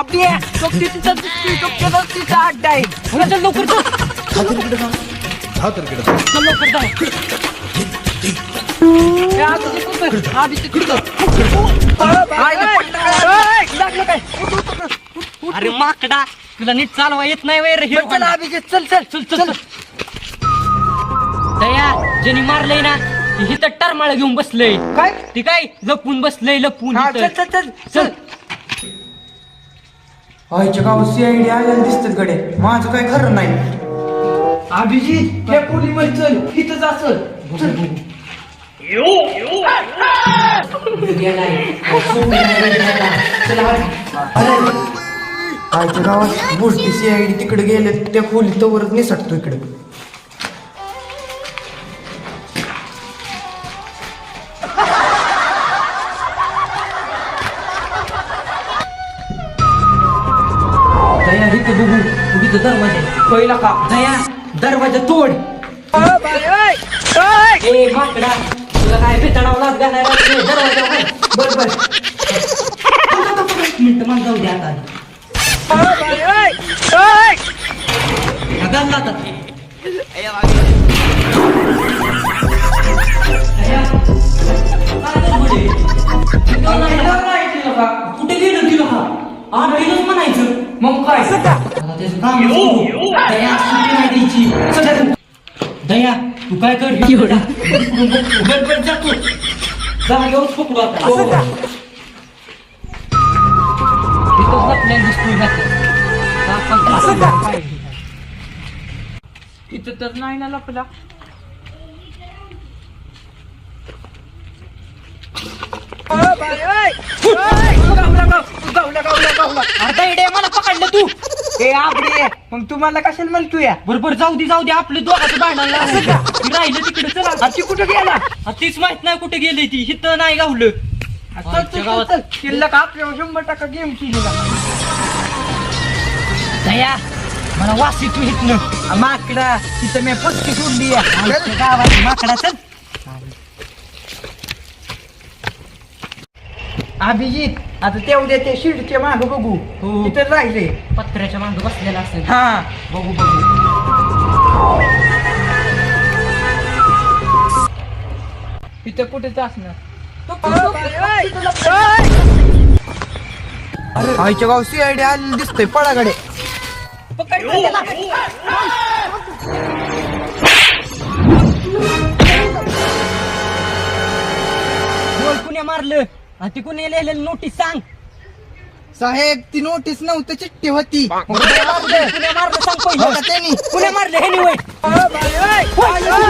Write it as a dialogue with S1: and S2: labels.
S1: आपली तिचा अड्डा आहे चल लवकर चल लवकर अरे माकडा तुला नीट चालवा येत नाही वैर हे चल अभिजित चल चल चल चल दया ज्याने मारलंय ना ही तर टरमाळ घेऊन बसलंय काय ती काय लपून बसलंय लपून चल चल चल चल
S2: आईच्या गावात सीआयडी आलेलं दिसतात गडे माझं काय खरं नाही
S1: अभिजित त्या पोलीमध्ये चल इथंच असल
S2: आईच्या गावात गोष्टी सीआयडी तिकडे गेले त्या खोलीत तवरच निसटतो इकडे
S1: दया इथं बघू तिथं दरवाजा पहिला का दया दरवाजा तोड ए माकडा तुला काय भेटाडावलाच घालायला दरवाजा बर बर मिनिट मला जाऊ द्या आता घालला आता कुठे गेलं तिला हा आठ गेलंच म्हणायचं मग काय त्याचं काम दया सुट्टी नाही द्यायची दया तू काय कर गडबड जातो जागेवर पकडू आता इथं तर नाही ना लपला मला पकडलं तू ए आपले मग तुम्हाला कशाला म्हणतो या बरोबर जाऊ दे आपले दोघांचं भांडण राहिलं तिकडे चला ती कुठे गेला तीच माहित नाही कुठे गेली ती हिथं नाही गावलं शिल्लक आपल्यावर 100% गेम केलेला दया मला वासी तू हिथनं माकडा तिथं मी पत्ती सोडली गावात माकडा चल अभिजित आता तेवढ्या ते शिडच्या माग बघू तिथे राहिले पत्र्याच्या माग बसलेला असेल हा बघू तिथं कुठेच असणार
S2: आईच्या गावात सीआयडी आलेलं दिसतंय पळाकडे
S1: कुण्या मारलं ती कुणी लिहिलेलं नोटीस सांग
S2: साहेब ती नोटीस नव्हती चिठ्ठी होती
S1: कुण्या मारलं सांग पहिलं कुण्या मारलं हे निवड